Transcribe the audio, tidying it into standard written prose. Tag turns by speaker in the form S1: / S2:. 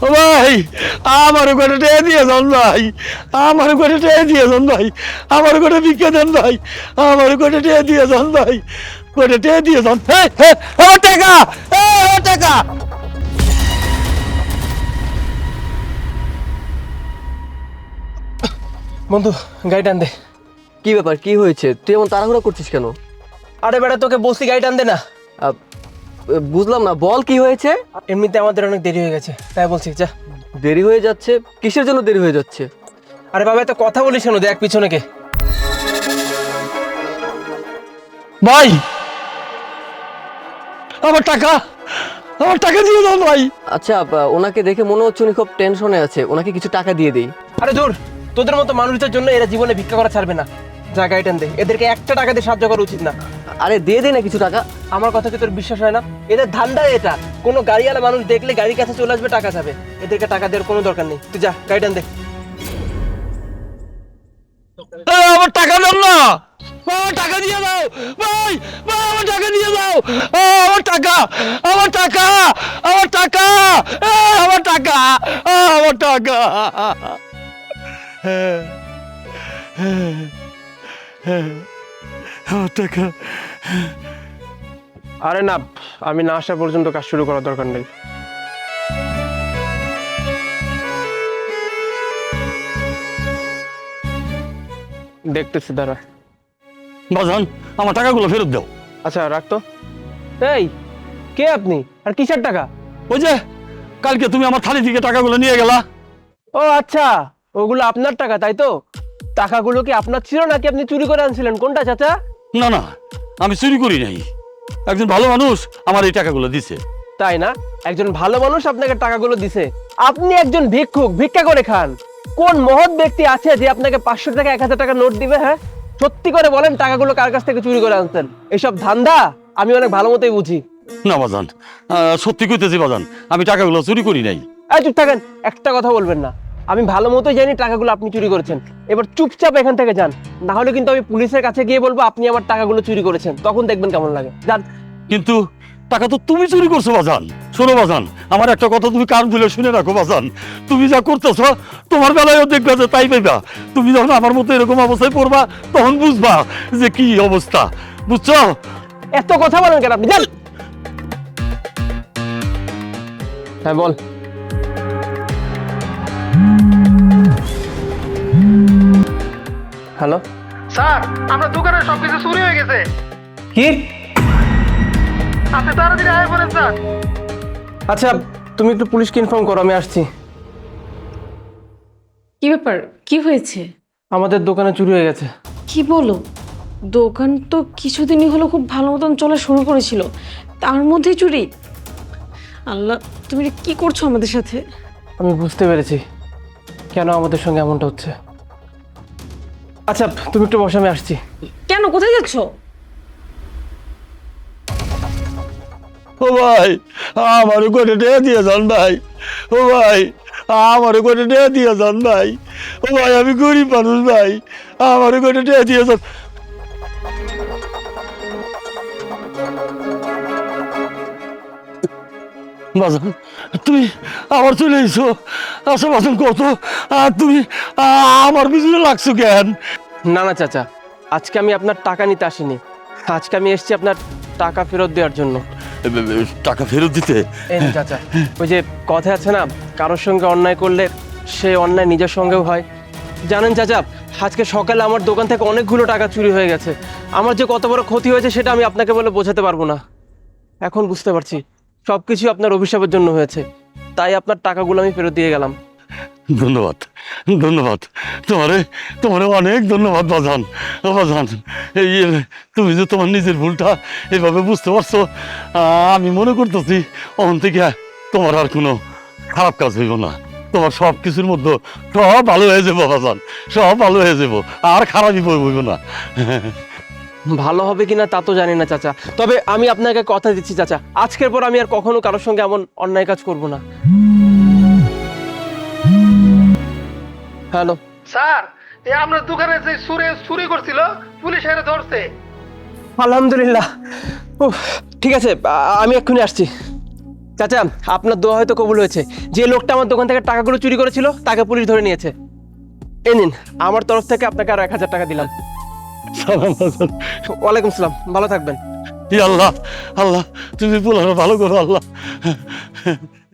S1: ও ভাই, আমার করে টেয়ে দিয়ে যান ভাই, আমার করে টেয়ে দিয়ে যান ভাই, আমার করে ভিক্ষা দেন ভাই, আমার করে টেয়ে দিয়ে যান ভাই, করে টেয়ে দিয়ে যান। আমার টাকা, আমার টাকা।
S2: বন্ধু গাড়ি টান দে।
S3: কি ব্যাপার, কি হয়েছে? তুই এমন তাড়াহুড়া করছিস কেন?
S2: আরে বেটা তোকে বলছি গাড়ি টান দে না।
S3: আহ, বুঝলাম না, বল কি হয়েছে?
S2: এমনিতে আমাদের অনেক দেরি হয়ে গেছে, তাই বলছি যা।
S3: দেরি হয়ে যাচ্ছে? কিসের জন্য দেরি হয়ে যাচ্ছে?
S2: আরে বাবা এত কথা বলিস কেন, দেখ পিছনে কে।
S1: ভাই, আমার টাকা, আমার টাকা দিয়ে দাও ভাই।
S3: আচ্ছা, ওনাকে দেখে মনে হচ্ছে উনি খুব টেনশনে আছে, ওনাকে কিছু টাকা দিয়ে দেই।
S2: আরে দূর, তোদের মতো মানুষদের জন্য এরা জীবনে ভিক্ষা করা ছাড়বে না। যা গাড়ি টান দে, এদেরকে একটা টাকা দিয়ে সাহায্য করা উচিত না।
S3: আরে দিয়ে দে না কিছু টাকা।
S2: আমার কথা কি তোর বিশ্বাস হয় না? এদের ধান্দা এটা, কোনো গাড়িওয়ালা মানুষ দেখলে গাড়ির কাছে চলে আসবে, টাকা যাবে। এদেরকে টাকা দেওয়ার কোনো দরকার নেই, তুই যা গাড়ি টান দে।
S1: আমার টাকা দাও না, আমার টাকা দিয়ে দাও ভাই, ভাই আমার টাকা দিয়ে দাও, আমার টাকা, আমার টাকা, আমার টাকা, আমার টাকা, আমার টাকা। আমার টাকা।
S2: আরে না, আমি না আসা পর্যন্ত কাজ শুরু করার দরকার নেই। দেখতেছি দাঁড়া।
S1: বাজান, আমার টাকাগুলো ফেরত দাও।
S2: আচ্ছা রাখতো। এই কে আপনি, আর কিসের টাকা?
S1: ওই যে কালকে তুমি আমার থালি থেকে টাকাগুলো নিয়ে গেলা।
S2: ও আচ্ছা, ওগুলো আপনার টাকা তাই তো? টাকাগুলো কি আপনার ছিল নাকি আপনি চুরি করে আনছিলেন, কোনটা চাচা?
S1: না না, আমি চুরি করি নাই, একজন ভালো মানুষ আমার এই টাকাগুলো দিছে।
S2: তাই না? একজন ভালো মানুষ আপনাকে টাকাগুলো দিছে? আপনি একজন ভিক্ষুক, ভিক্ষা করে খান। কোন মহৎ ব্যক্তি আছে যে আপনাকে 500 টাকা 1000 টাকা নোট দিবে? হ্যাঁ, সত্যি করে বলেন, টাকাগুলো কার কাছ থেকে চুরি করে আনছেন? এসব ধান্দা আমি অনেক ভালো মতোই বুঝি।
S1: না বাজান, সত্যি কইতেছি বাজান, আমি টাকাগুলো চুরি করি নাই।
S2: এই চুপ থাকেন, একটা কথা বলবেন না। আমি ভালো মতোই জানি টাকাগুলো আপনি চুরি করেছেন। এবার চুপচাপ এখান থেকে যান, না হলে কিন্তু আমি পুলিশের কাছে গিয়ে বলবো আপনি আমার টাকাগুলো চুরি করেছেন, তখন দেখবেন কেমন লাগে। যান।
S1: কিন্তু টাকা তো তুমি চুরি করছো বাজান। শোনো বাজান, আমার একটা কথা তুমি কান খুলে শুনে রাখো বাজান, তুমি যা করতেছ তোমার বেলায়ও দেখবে যে তাই পাইবা। তুমি যখন আমার মতো এরকম অবস্থায় পড়বা তখন বুঝবা যে কি অবস্থা, বুঝছো?
S2: এত কথা বলেন কেন আপনি? যান। হ্যাঁ বল। হ্যালো
S4: স্যার, আপনার দোকানের সবকিছু চুরি হয়ে গেছে।
S2: কি?
S4: আপনি তাড়াতাড়ি আয় পড়েন স্যার।
S2: আচ্ছা তুমি একটু পুলিশকে ইনফর্ম করো, আমি আসছি।
S5: কি ব্যাপার, কি হয়েছে?
S2: আমাদের দোকানে চুরি হয়ে গেছে।
S5: কি বলো? দোকান তো কিছুদিনই হলো খুব ভালো মতন চলা শুরু করেছিল, তার মধ্যে চুরি? আল্লাহ, তুমি এটা কি করছো আমাদের সাথে?
S2: আমি বুঝতে পেরেছি কেন আমাদের সঙ্গে এমনটা হচ্ছে। আচ্ছা তুমি একটু বসে, আমি আসছি।
S5: কেন, কোথায় যাচ্ছো?
S1: ও ভাই, আমার করে দিয়ে যান ভাই, ও ভাই, আমার করে দিয়ে যান ভাই, ও ভাই আমি গরিব মানুষ ভাই, আমার করে দিয়ে যান। বাজান, তুমি আবার চলে এসো। আচ্ছা বাজান, কত আর তুমি আমার পিছনে লাগছো কেন?
S2: না না চাচা, আজকে আমি আপনার টাকা নিতে আসিনি, আজকে আমি এসেছি আপনার টাকা ফেরত দেওয়ার জন্য।
S1: টাকা ফেরত দিতে?
S2: এই নিন চাচা, ওই যে কথা আছে না, কারোর সঙ্গে অন্যায় করলে সে অন্যায় নিজের সঙ্গেও হয়। জানেন চাচা, আজকে সকালে আমার দোকান থেকে অনেকগুলো টাকা চুরি হয়ে গেছে। আমার যে কত বড় ক্ষতি হয়েছে সেটা আমি আপনাকে বলে বোঝাতে পারবো না। এখন বুঝতে পারছি সবকিছু আপনার অভিশাপের জন্য হয়েছে, তাই আপনার টাকাগুলো আমি ফেরত দিয়ে গেলাম।
S1: ধন্যবাদ, ধন্যবাদ তোমারে, তোমারে অনেক ধন্যবাদ বাজান। বাজান, এই তুমি যে তোমার নিজের ভুলটা এভাবে বুঝতে পারছো, আমি মনে করতেছি ওখান থেকে তোমার আর কোনো খারাপ কাজ হইব না। তোমার সব কিছুর মধ্যে সব ভালো হয়ে যাবো বাজান, সব ভালো হয়ে যাবো, আর খারাপই হইব না।
S2: ভালো হবে কিনা তা তো জানি না চাচা, তবে আমি আপনাকে কথা দিচ্ছি চাচা, আজকের পর আমি আর কখনো কারোর সঙ্গে এমন অন্যায় কাজ করব না। হ্যালো
S4: স্যার, এই আপনার দোকানে যে চুরি করছিল পুলিশ এসে ধরছে।
S2: আলহামদুলিল্লাহ। উফ, ঠিক আছে, আমি এক্ষুনি আসছি। চাচা, আপনার দোয়া হয়তো কবুল হয়েছে। যে লোকটা আমার দোকান থেকে টাকাগুলো চুরি করেছিল তাকে পুলিশ ধরে নিয়েছে। এই নিন, আমার তরফ থেকে আপনাকে আরো 1000 টাকা দিলাম।
S1: সালাম বাজান।
S2: ওয়ালাইকুম সালাম, ভালো থাকবেন।
S1: ই আল্লাহ, আল্লাহ তুমি পোলারে ভালো করো আল্লাহ।